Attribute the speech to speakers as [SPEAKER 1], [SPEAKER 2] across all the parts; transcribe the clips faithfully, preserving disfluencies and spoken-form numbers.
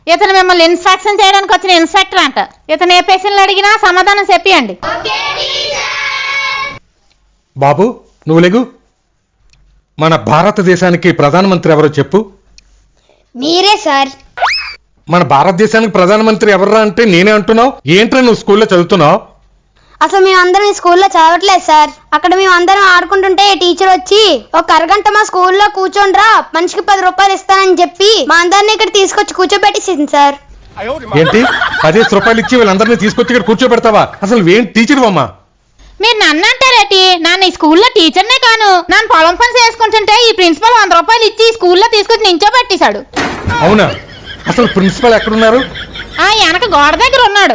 [SPEAKER 1] ఇతను మిమ్మల్ని ఇన్స్ట్రక్షన్ చేయడానికి వచ్చిన ఇన్స్ట్రక్టర్ అంట. ఇతను ఏ పేషెంట్లు అడిగినా సమాధానం చెప్పియండి.
[SPEAKER 2] బాబు నువ్వు లేగు. మన భారతదేశానికి ప్రధానమంత్రి ఎవరో చెప్పు.
[SPEAKER 3] మీరే సార్.
[SPEAKER 2] మన భారతదేశానికి ప్రధానమంత్రి ఎవర్రా అంటే నేనే అంటున్నావు. ఏంట్రా నువ్వు స్కూల్లో చదువుతున్నావు?
[SPEAKER 3] అసలు మేమందరం ఈ స్కూల్లో చదవట్లేదు సార్. అక్కడ మేమందరం ఆడుకుంటుంటే టీచర్ వచ్చి ఒక అరగంట మా స్కూల్లో కూర్చోండ్రా, మనిషికి పది రూపాయలు ఇస్తానని చెప్పి మా అందరినీ ఇక్కడ తీసుకొచ్చి కూర్చోబెట్టేసింది సార్.
[SPEAKER 2] ఏంటి పదిహేను రూపాయలు ఇచ్చి వీళ్ళందరినీ తీసుకొచ్చి ఇక్కడ కూర్చోబెడతావా? అసలు ఏం టీచర్ అమ్మా?
[SPEAKER 1] మీరు నన్ను అంటారేటి? నన్ను ఈ స్కూల్లో టీచర్నే కాను. నన్ను పొలం పని చేసుకుంటుంటే ఈ ప్రిన్సిపల్ వంద రూపాయలు ఇచ్చి ఈ స్కూల్లో తీసుకొచ్చి నించోబెట్టేశాడు.
[SPEAKER 2] అవునా? అసలు ప్రిన్సిపల్ ఎక్కడున్నారు?
[SPEAKER 1] ఆ వెనక గోడ దగ్గర ఉన్నాడు.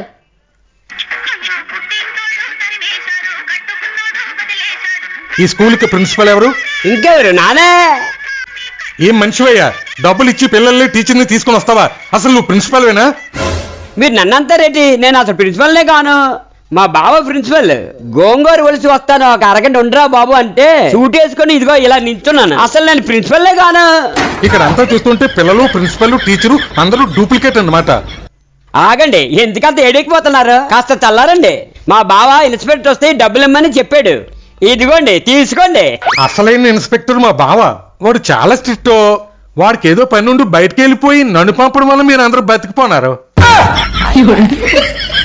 [SPEAKER 2] ఈ స్కూల్ కి ప్రిన్సిపల్ ఎవరు?
[SPEAKER 4] ఇంకెవరు? నానే.
[SPEAKER 2] ఏం మనిషివయ్యా, డబ్బులు ఇచ్చి పిల్లల్ని టీచర్ని తీసుకుని వస్తావా? అసలు నువ్వు ప్రిన్సిపల్వేనా?
[SPEAKER 4] మీరు నన్నంతారేటి? నేను అసలు ప్రిన్సిపల్నే కాను. మా బావ ప్రిన్సిపల్. గోంగూర ఒలిసి వస్తాను, ఒక అరగంట ఉండరా బాబు అంటే సూట్ వేసుకొని ఇదిగో ఇలా నించున్నాను. అసలు నేను ప్రిన్సిపల్నే కాను.
[SPEAKER 2] ఇక్కడ అంతా చూస్తుంటే పిల్లలు, ప్రిన్సిపల్, టీచరు అందరూ డూప్లికేట్ అన్నమాట.
[SPEAKER 4] ఆగండి, ఎందుకంత ఏడెక్కిపోతున్నారు? కాస్త చల్లారండి. మా బావ ఇన్స్పెక్టర్ వస్తే డబ్బులు ఇమ్మని చెప్పాడు. ఇదిగోండి తీసుకోండి.
[SPEAKER 2] అసలైన ఇన్స్పెక్టర్ మా బావ. వాడు చాలా స్ట్రిక్ట్. వాడికి ఏదో పని నుండి బయటకు వెళ్ళిపోయి నన్ను పంపడం వల్ల మీరు అందరూ బతికిపోన్నారు.